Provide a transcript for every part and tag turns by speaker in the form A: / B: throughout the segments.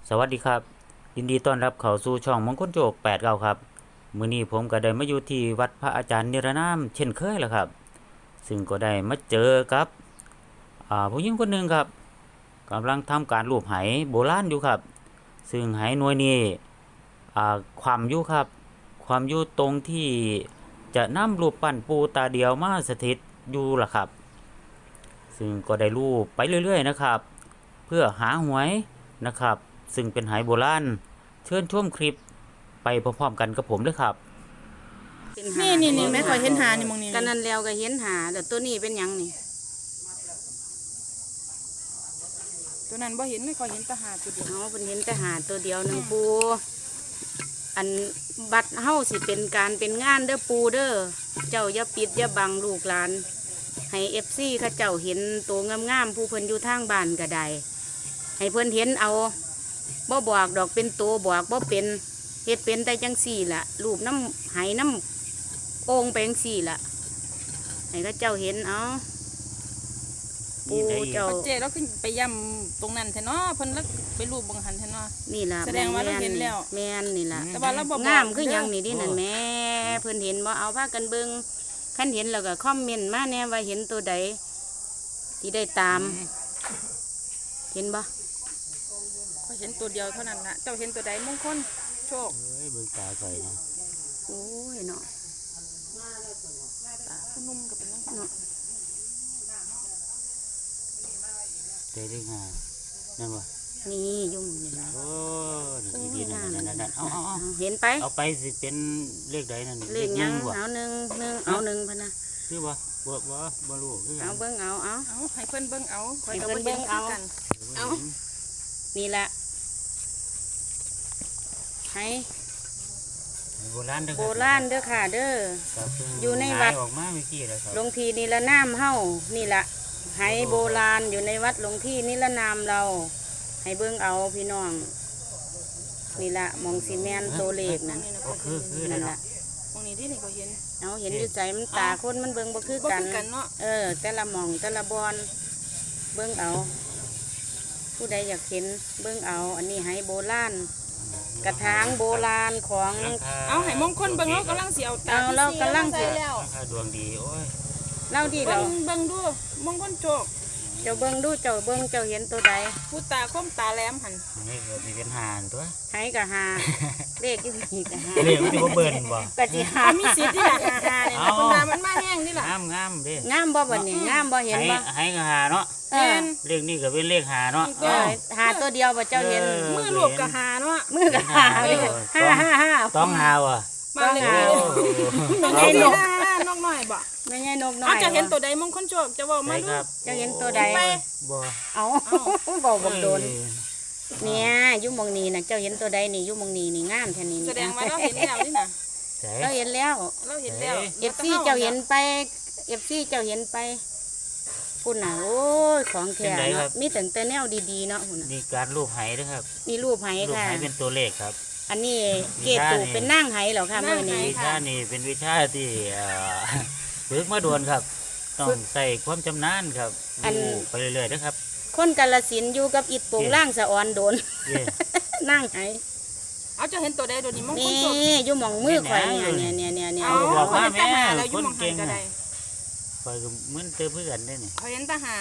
A: สวัสดีครับยินดีต้อนรับเข้าสู่ช่องมงคลโจก89ครับมื้อนี้ผมก็ได้มาอยู่ที่วัดพระอาจารย์นิรนามเช่นเคยแล้วครับซึ่งก็ได้มาเจอกับผู้หญิงคนหนึ่งครับกำลังทำการรูปไหโบราณอยู่ครับซึ่งไหหน่วยนี้ความอยู่ครับความอยู่ตรงที่จะนำรูปปั้นปูตาเดียวมาสถิตอยู่ล่ะครับซึ่งก็ได้รูปไปเรื่อยๆนะครับเพื่อหาหวยนะครับซึ่งเป็นไหโบราณเชิญชมคลิปไปพร้อมๆกันกับผมเลยครับ
B: นี่แม่ข่อยเห็นหานี่มองนี่
C: กันนั่นแล้วก็เห็นหาแต่ตัวนี้เป็นหยังนี่
B: ตัวนั้นบ่เห็นไม่ข่อยเห็นแตาหาตัวเดียว
C: เอาเป็นเห็นแต่หาตัวเดียวหนึ่งปูอันบัดเฮาสิเป็นการเป็นงานเด้อปูเด้อเจ้าอย่าปิดอย่าบังลูกหลานให้FCเขาเจ้าเห็นตัวงามๆผู้เพิ่นอยู่ทางบ้านก็ได้ให้เพิ่นเห็นเอาบ่บอกดอกเป็นตัวบอกบ่เป็นเฮ็ดเป็นแต่จังสี่ล่ะรูปน้ำไหน้ำโอ่งไปจังสี่ล่ะให้เขาเจ้าเห็นเอาปูเจ้า
B: เจ๊เราขึ้นไปย่ำตรงนั้นแท้เนาะเพิ่นแล้วไปรูปบังหันแท้เนาะ
C: นี่ล่ะ
B: แสดงว่าเราเห็นแล้ว
C: แม่นนี่ล่ะ
B: แต่ว่าเราบ่บอก
C: งามคือหยัง
B: เด้อ
C: นี่ดินั่นแม่เพิ่นเห็นบ่เอาพากันเบิ่งคันเห็นแล้วก็คอมเมนต์มาแน่ว่าเห็นตัวใดที่ได้ตาม เห็นบ่
B: ข่อยเห็นตัวเดียวเท่านั้นล่ะเจ้าเห็นตัวใดมงคลโชค
A: เฮ้ยเบิ่งตาข่อยนะ
C: โอ้ยเนาะ
B: ผู้นุ่มก็เป็นจังซี่
C: เนาะ
A: เด้เลข5นั่นบ่
C: นี่ยุ่งนี่ล่ะ
A: โอ้
C: โอ้
A: นี่
C: ย
A: ๆ
C: งาม
A: นั่นๆๆเอา
C: เห็นไป
A: เอาไปสิเป็นเลขใดนั่น
C: เลขหยัง
A: บ่
C: เอาหนึ่งพะนะ
A: คือบ่รู้คือกั
C: เอา
A: น
C: เบิ่งเอา
B: เอาให้เพิ่นเบิ่งเอาข่อย
C: ให้
B: ก็
C: เพิ่
B: บ่
C: น
B: เห็น
C: เบิ่ง
B: คื
C: เอา
B: อกัน
C: เอา นี่ล่ะให้
A: โบราณเด้อ
C: โบราณเด้อค่ะเด้อ
A: ครับเพิ่ง
C: อยู่ในวัด
A: หายออกมาเมื่อกี้แล้วครับ
C: หลวงพี่นิรนามเฮานี่ละไหโบราณอยู่ในวัดหลวงพี่นิรนามเรา ให้เบิ่งเอาพี่น้อง นี่ละมองซีเมนโตวเลขนั่น
A: ก็คือ
C: นั่น
A: เนาะ
C: ละ
B: มองนี่ดินี่ข่อยเห็น
C: เอาเห็นอยู่ใจมันตาคนมันเบิ่งบ่คือ
B: บ่
C: กัน
B: คือกันเนาะ
C: แต่ละหมองแต่ละบอนเบิ่งเอา ผู้ใดอยากเห็นเบิ่งเอา อันนี้ไหโบราณกระถางโบราณของ
B: เอาให้มงคลเบิ่งเรากำลังสิเอาตา
C: เอาเรากำลังสิ
B: ใส่แล้ว
A: ราคาดวงดีโอ้ย
C: เล่าดี
B: เบิ่
C: เรา
B: งเบิ่งดูมงคลโชค
C: เจ้าเบิ่งดูเจ้าเบิ่งเจ้าเห็นตัวใด
B: ผู้ตาคมตาแหลมหั่น
A: นี่ก็สิเป็นหานตัว
C: ไหกะหาเลขอยู่นี่กะหา
A: เรียกมันสิบ่เบิ่นบ่
C: กะสิหา
B: มีสิทธิ์ที่ละหาเนี่ยนะคนมามันมาแห้งนี่ล่ะ
A: งามเด้
C: งามบ่บัดนี้งามบ่เห็นบ่
A: ให้ก็หาเนาะ
C: เออ
A: เลขนี้ก็เป็นเลขหาเนาะ
C: เออหาตัวเดียวบ่เจ้าเห็น
B: มือรวบกับหาเนาะ
C: มือก็หาเลย555
A: ต้องหาว่ะ
B: มาเลย
C: ต้
B: น้
C: อ
B: อง ง
C: หา
B: เห็นนกน้อยบ่
C: ไม่ใช่นกน้อย
B: เอาจะเห็นตัวใดมงคลโชคจะบอกมา
A: ใช่
B: ดู
A: ครับ
C: เจ้าเห็นตัวใด
B: ไป
A: บ่
C: เอาบ่บ่โดนเนี่ยอยู่หมองนี้น่ะเจ้าเห็นตัวใดนี่อยู่หมองนี้นี่งามแท้นี่
B: แสดงว่าเราเห็นแล้วนี่นะ
A: ใช่
C: เราเห็นแล้ว
B: เราเห็นแล้ว
C: FC เจ้าเห็นไป FC เจ้าเห็นไปพุ่นน่ะโอ้ยของแท้เนาะมีแต่แนวดีๆเนาะพุ่นน่ะ
A: นี่การรูปไหเด้อครับ
C: มีรูปไห
A: รูป
C: ค่ะ
A: ไหเป็นตัวเลขครับ
C: อันนี้เกตูเป็นนางไหเหรอคะมื้อนี้
A: วิชานี่เป็นวิชาที่ฝึกมาด่วนครับ ต้องใส่ความชำนาญครับดูไปเรื่อยๆนะครับ
C: คนกาฬสินธุ์อยู่กับอิฐโป่งล่างสะออนโดน
A: เย่
C: นั่งไห
B: เอาจะเห็นตัวใดตัวนี้มงคล
C: นี่
B: โชค
C: อยู่หมองมือข่อยเนี่ย
B: เอา
A: บอกว่า
B: เขาเห็นตาหา
A: แม่
B: แล้วอยู่หมอง
A: คนเก่
B: หัน
A: ง
B: ก็
A: อะ
B: ได้
A: คอยก็เหมือนเจอเพื่อนได้นี่
B: เขาเห็นตาหา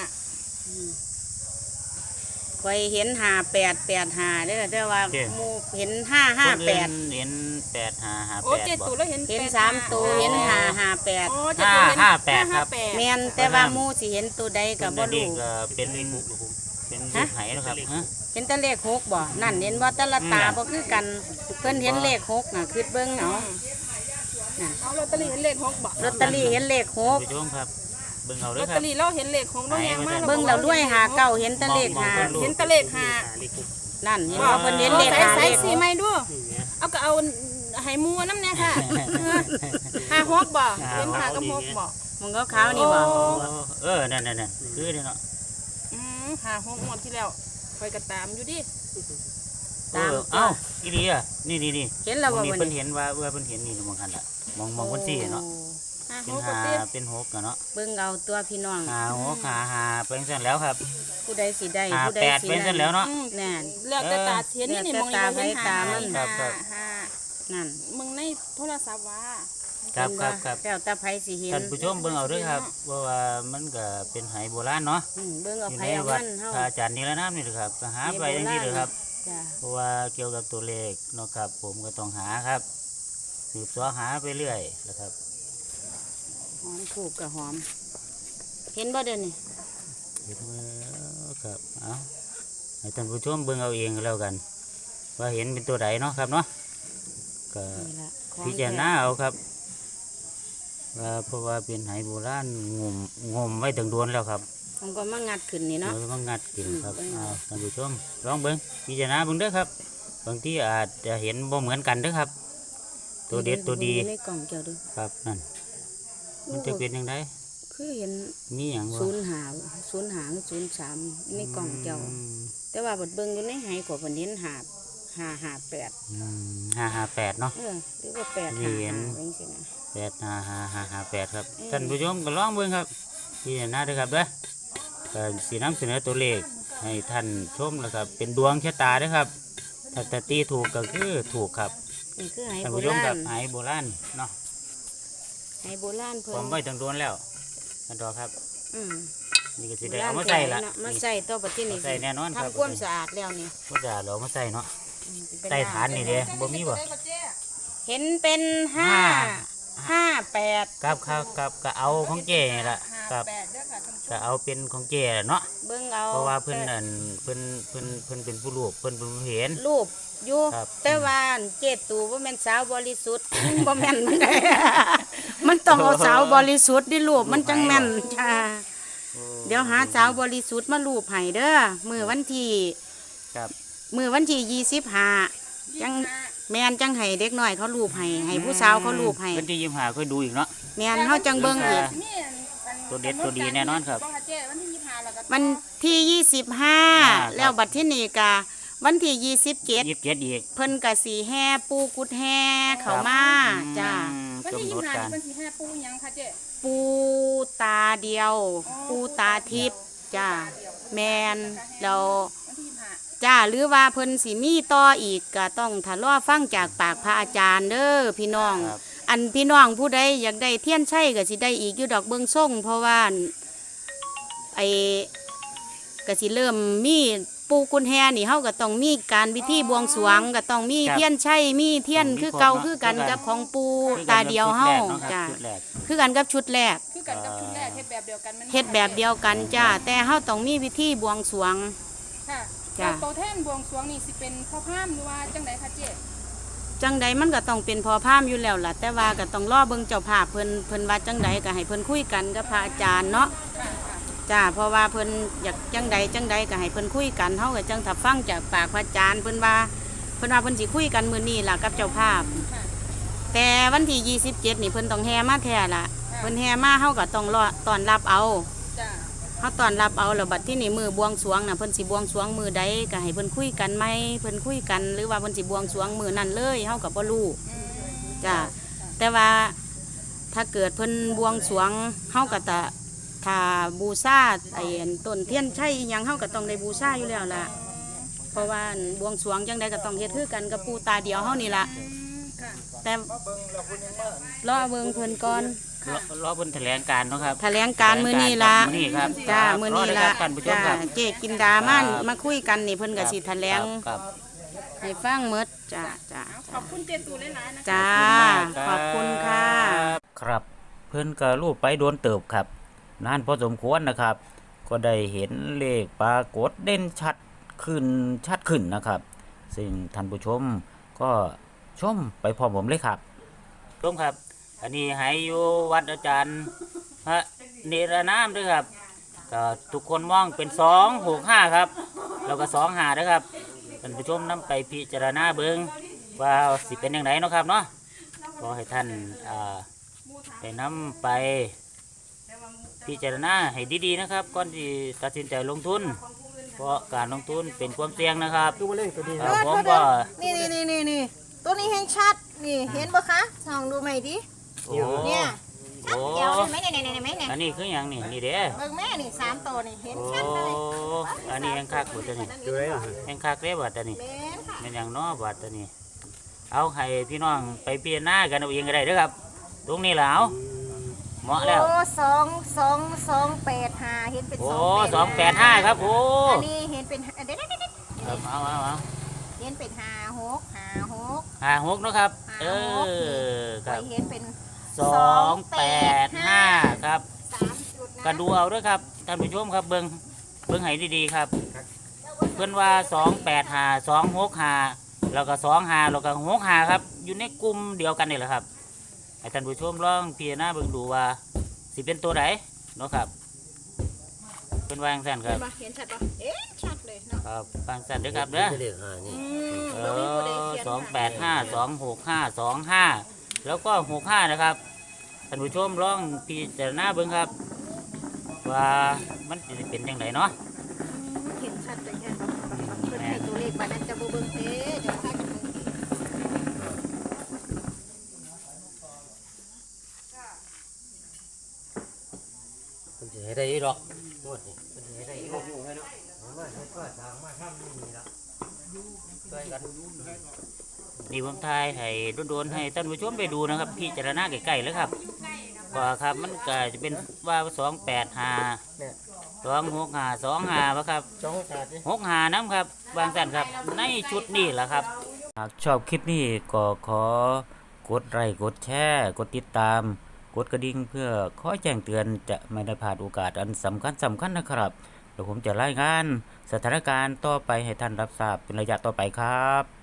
C: ข่อยเห็น5885เด้อแต่ว่าหมู่เห็น
A: คนอื่น
C: 558
A: เห็น8 5 5
B: โอ้เจ็ด
A: 8
B: ตัวแล้วเห็น
C: เห็น
B: แปด
C: 3ตัวเห็น
B: โอ้
C: 558
B: เจ็ดตัวเห็น
A: 558ครับ
B: 558
C: แม่นแต่ว่าหมู่สิเห็นตัวใดก็บ่
A: นี่
C: รู้
A: ก็เป็นรูปไหนะครับฮะ
C: เห็นแต่เลข6บ่นั่นเห็นบ่แต่ละตาบ่คือกันเพิ่นเห็นเลข6น่ะคือเบิ่งเอา
B: เอาลอตเตอรี่เห็นเลขหกบ่
C: ลอตเตอรี่เห็นเลข
A: ท่านผู้ชมครับเบิ่งเอา
B: ล
A: เด้
B: อ
A: อ
B: ต
A: ค
B: เต
A: รั
B: อบ รี่เราเห็นเลขหกเราแหงมาก
C: 6เบิ่งแล้วด้วย59เห็นแต่เลข
B: เห็นแตะเลขหา
C: นั่นเห็นบ่เพิ่นเห็นเลข
B: ใส่
C: เลข
B: สีไม่ดูเอาก็เอาให้มัวน้ำเนี่ยค่ะหาหกบ่เป็นหากับหกบ่
C: มันก็ขาวนี่บ่
A: นั่นคือเนาะ
B: หาหกงวดที่แล้วคอยกระตามอยู่ดิ
C: ตาม
A: เอ้าอีดีอ่ะนี่
C: เห็นแล้วบ่
A: นี่
C: วัน
A: เพิ่น
C: นี้
A: เห็นว่าเพิ่นเห็นนี่มองหันล่ะมองคนสี่เนาะเป็น
B: หก
A: หา
B: เตี้ย
A: เป็นหกกันเนาะ
C: เบิ่งเอาตัวพี่น้อง
A: หาหกหาเป็นเส้นแล้วครับ
C: ผู้ใดสิได้
A: หา
C: ผู้ใด
A: แปด
C: สิ
A: เป็นเส้นแล้วเนาะ
C: แน่น
B: แล้วแต่ตาเทียนนี่นี่
C: แล้ว
B: มอง
C: แต่
B: อยู่
C: ตา
B: เห็น
C: ไผตามัน
A: ครับครับ
B: ห้า
C: นั่น
B: มึงในโทรศัพท์ว่า
A: ครับครับครับ
C: แล้วแต่ไผสิเห็น
A: ท่านผู้ชมเบิ่งเอาเด้วยครับเพราะว่ามันก็เป็นไหโบราณเนาะ
C: เบิ่งเอา
A: อยู่
C: ไผ
A: ใน
C: เอา
A: วั
C: มั
A: ด
C: นเฮา
A: พระอาจารย์นิรนามนี่แหละครับก็หาไปอย่างนี้เลยครับ
C: จ้ะ
A: เพราะว่าเกี่ยวกับตัวเลขเนาะครับ ผมก็ต้องหาครับสืบสอหาไปเรื่อยนะครับ
C: หอมถูกกับหอม เห็นบ่เด้อนี่
A: เห็นไหมครับเอาให้ท่านผู้ชมเบิ่งเอาเองก็แล้วกัน ว่าเห็นเป็นตัวใดเนาะครับเนาะก็
C: นี่ล่ะของ
A: พิจารณาเอาครับว่าเพราะว่าเป็นไหโบราณงมไว้ถึงโดนแล้วครับ
C: ผมก็มางัดขึ้นนี่เนาะ
A: เราต้องงัดกินครับ
C: อืม
A: เอาท่านผู้ชมลองเบิ่งพิจารณาเบิ่งเด้อครับบางที่อาจจะเห็นบ่เหมือนกันเด้อครับ ตัวเด็ดตัวดี
C: ในกล่องเจ้าดู
A: ครับนั่นมันจะเป็นยังไง
C: คือเห็น
A: มีอย่างบ่
C: 05 03ในกล่องเจ้า แต่ว่าบดเบิ่งอยู่ในไหกว่าเพิ่นเห็น558
A: 558เนาะ
C: หรือว่า8
A: นี่
C: 5
A: เห็น
C: 5จังซี่นะ
A: 85558ครับ
C: อืม
A: ท่านผู้ชมก็ลองเบิ่งครับพิจารณาเด้อครับเด้อก็สินำเสนอตัวเลขให้ท่านชมนะครับ เป็นดวงชะตาเด้อครับถ้าตีถูกก็คือถูกครับ
C: นี่คือไห
A: ท่าน
C: โบ
A: ผู้ชม
C: รา
A: ครั
C: ณ
A: บไหโบราณเนาะ
C: ไหโบราณเพิ่
A: ผม
C: น
A: ไว้ถึงโดนแล้วกันต่อครับ
C: อืม
A: นี่ก็สิได้เอามาใส่ละ
C: มาใส่ตัวปัจจุบั
A: นี่
C: น
A: ใส่แน่นอนครับ
C: ทำความสะอาดแล้วนี่
A: ก็จะเรามาใส่เนาะ
C: อืมเป็น
A: ใส่ฐานนี่เด้บ่มีบ่
C: เห็นเป็น58
A: ครับก็เอาของเจนี่ล่ะครับ
B: แปดเด้อค่ะท่านผู้ชม
A: ก็เอาเป็นของเจแหละเนาะ
C: เบิ่งเอา
A: เพราะว่าเพิ่นนั่นเพิ่นเป็นผู้รูปเพิ่นเป็นผู้เห็น
C: รูปอยู่
A: ครับ
C: แต่ว่าเจตูบ่แม่นสาวบริสุทธิ์ บ่แม่นมันได้ มันต้องเอาสาวบริสุทธิ์ดิรูปมันจังแม่นจ้าเดี๋ยวหาสาวบริสุทธิ์มารูปให้เด้อมื้อวันที่
A: ครับ
C: มื้อวันที่25จังแม่นจังให้เด็กน้อยเขารูปให้ผู้สาวเขารูปให้
A: เพิ่นที่25ค่อยดูอีกเนาะ
C: แม่นเฮาจังเบิ่งอีก
B: นี่อัน
A: ตัวเด็ดตัวดีแน่นอนครับ
B: งค่ะเจ้วันที่25แล้วก็
C: วันที่
A: ครับ
C: 25 แล้วบัดที่นี่กะวันที่ 27
A: 27อีก
C: เพิ่นกะสีแห่ปูกุดแห่เข้ามาจ้า
B: วันที่
A: กำหนด
B: 25
A: การ
B: นี่เป็นสิห้าปูหยังค่ะเจ้
C: ปูตาเดียว ปูตาทิพย์จ้าแมนแล้ว
B: วันที่25
C: จ้าหรือว่าเพิ่นสิมีต่ออีกก็ต้องทะเลาะฟังจากปากพระอาจารย์เด้อพี่น้อง
A: ครับ
C: อันพี่น้องผู้ใดอยากได้เทียนไช่ก็สิได้อีกอยู่ดอกเบิ่งส่งเพราะว่าไอ้ก็สิเริ่มมีปูกุญแฮนี่เฮาก็ต้องมีการพิธีบวงสรวงก็ต้องมี
A: ครับ
C: เทียนไช่มีเทียน
A: ต้องมี
C: คือเก่า
A: ครบเนาะ
C: คือกัน
A: คือกัน
C: กับของปู
A: คือ
C: ตาเดียวเฮา
A: ชุดแร
C: จ้าก
A: เนาะครับชุดแรก
C: คือกันกับชุดแรก
B: คือกันกับชุดแรกเฮ็ดแบบเดียวกันแม่น
C: เฮ็ดแบบเดียวกันจ้าแต่เฮาต้องมีพิธีบวงสรวง
B: ค่ะ
C: จ้ะ
B: แล้วโตแท่นบวงสรวงนี่สิเป็นพ่อพราหมณ์หรือว่าจังไดคะเจ้
C: จังใดมันก็ต้องเป็นพอพามอยู่แล้วล่ะ แต่ว่าก็ต้องรอเบิ่งเจ้าภาพเพิ่นว่าจังใดก็ให้เพิ่นคุยกันกับพระอาจารย์เนาะ
B: ค่ะค่ะ
C: จ้าเพราะว่าเพิ่นอยากจังใดก็ให้เพิ่นคุยกันเฮาก็จังถ้าฟังจากปากพระอาจารย์เพิ่นว่าเพิ่นสิคุยกันมื้อนี้ล่ะกับเจ้าภาพ
B: ค่ะ
C: แต่วันที่27นี่เพิ่นต้องแห่มาแท้ล่ะเพิ่นแห่มาเฮาก็ต้องรอต้อนรับเอา
B: จ้ะ
C: เฮาต้อนรับเอาแล้วบัดที่นี่มือบวงสรวงน่ะเพิ่นสิบวงสรวงมือใดก็ให้เพิ่นคุยกันไหมเพิ่นคุยกันหรือว่าเพิ่นสิบวงสรวงมือนั้นเลยเฮาก็บ่รู้
B: อืม
C: จ้าแต่ว่าถ้าเกิดเพิ่นบวงสรวงเฮาก็จะถ้าบูชาไอ้อันต้นเทียนชัยอิหยังเฮาก็ต้องได้บูชาอยู่แล้วล่ะเพราะว่าอันบวงสรวงจังไดก็ต้องเฮ็ดคือกันกับปู่ตาเดียวเฮานี่ล่ะ
B: อืมค่ะ
C: แต่รอเบิ่งเพิ่นก่อน
A: รอเพิ่นแถลงการเนาะครับ
C: แถลงการมื้อนี้ล่ะ
A: มื้อนี้ครับ
C: จ้ามื้อนี้
A: ร
C: ล่ะ
A: เด้อครับท่านผู้ชม
C: จ้า
A: ครับ
C: เจ๊กินดามันมาคุยกันนี่เพิ่นก็สิแถลง
A: ครับ
C: ให้ฟังหมดจ้าจ้า
B: ขอบคุณเจตูหลายๆนะคะ
C: จ้าขอบคุณค่ะ
A: ครับเพิ่นก็รูปไปโดนเติบครับนานพอสมควรนะครับ ก็ได้เห็นเลขปรากฏเด่นชัดขึ้นนะครับ ซึ่งท่านผู้ชมก็ชมไปพร้อมผมเลยครับชมครับ อันนี้ให้อยู่วัดอาจารย์พระเนรนามด้วยครับก็ทุกคนมองเป็น265ครับแล้วก็25นะครับท่านผู้ชมนำไปพิจารณาเบิ่งว่าสิเป็นอย่างไรเนาะครับเนาะขอให้ท่านได้นำไปพิจารณาให้ดีๆนะครับก่อนที่ตัดสินใจลงทุน เพราะการลงทุนเป็นความเสี่ยงนะครับผมก็
D: นี่ตัวนี้แห้งชัดนี่เห็นปะคะส่องดูใหม่ดิ
A: โอ้
D: เนี่ย
A: โอ้
B: เดี๋ยวเห็นไหมเนี่ยไหมเนี่ย
A: อันนี้คือหยังนี่นี่เด้
B: เบิ่งแม่นี่3ตัวนี่เห็น
A: โอ้
B: ชัดเลย
A: อันนี้ยังคักบ่ตัวนี้
D: ดูได้เหรอ
A: ยังคักเด้บ่ตัวนี้
B: แม่นค่ะ
A: เป็นหยังน้อบ่ตัวนี้ เอาให้พี่น้องไปพิจารณากันเอาเองก็ได้เด้อครับ ตรงนี้ล่ะเอาเหมาะแล้ว
B: โอ้2 8 5เห็นเป็น
A: โอ้
B: 285
A: 285ครับโอ้
B: อันนี้เห็นเป็นเด็ด
A: ครับเอา
B: เห็นเป็น56
A: 56เนาะครับ
B: 56
A: เออครับ
B: เห็นเป็น
A: 285ครับ
B: 3จุดนะ
A: ก็ดูเอาด้วยครับท่านผู้ชมครับเบิ่งให้ดีๆครับ เพื่อนว่า285 265แล้วก็25แล้วก็65ครับ อยู่ในกลุ่มเดียวกันนี่แหละครับให้ท่านผู้ชมลองพิจารณาเบิ่งดูว่าสิเป็นตัวไหนเนาะครับเพิ่นว่าจังซั่นครับ
B: เห็นชัดปะเอ๊ะชัดเลยเนาะ
A: ครับฟังซั่นเด้อครับเด้อ
D: เลขห้านี่
B: บ่มีผู้ใดเขียน
A: 285 265 25แล้วก็65นะครับท่านผู้ชมลองพิจารณาเบิ่งครับ ว่ามันสิเป็นจังไดเนาะ
B: เห็นชัดเลยเนี่ยเพิ่นให้ตัวเลขมานั้นจะบ่เบิ่งเด้เดี๋ยวถ้าจะเบิ่ง
D: มันจะให้ได้หรอกงวดนี่มันจะให้ได้หรอกมาก็ทางมาทำนี่ละช่วยกัน
A: นี่ผมทายให้โดนๆให้ท่านผู้ชมไปดูนะครับพิจารณาใกล้ๆเลยครับก็ครับมันก็จะเป็นว่า285
D: เนี่ย
A: 265 25บ่ครับ
D: สองขาดนี่
A: 65น้ำครับบางสั่นครับในชุดนี้แหละครับหากชอบคลิปนี้ก็ขอกดไลค์กดแชร์กดติดตาม กดกระดิ่งเพื่อคอยแจ้งเตือนจะไม่ได้พลาดโอกาสอันสำคัญนะครับเดี๋ยวผมจะรายงานสถานการณ์ต่อไปให้ท่านรับทราบเป็นระยะต่อไปครับ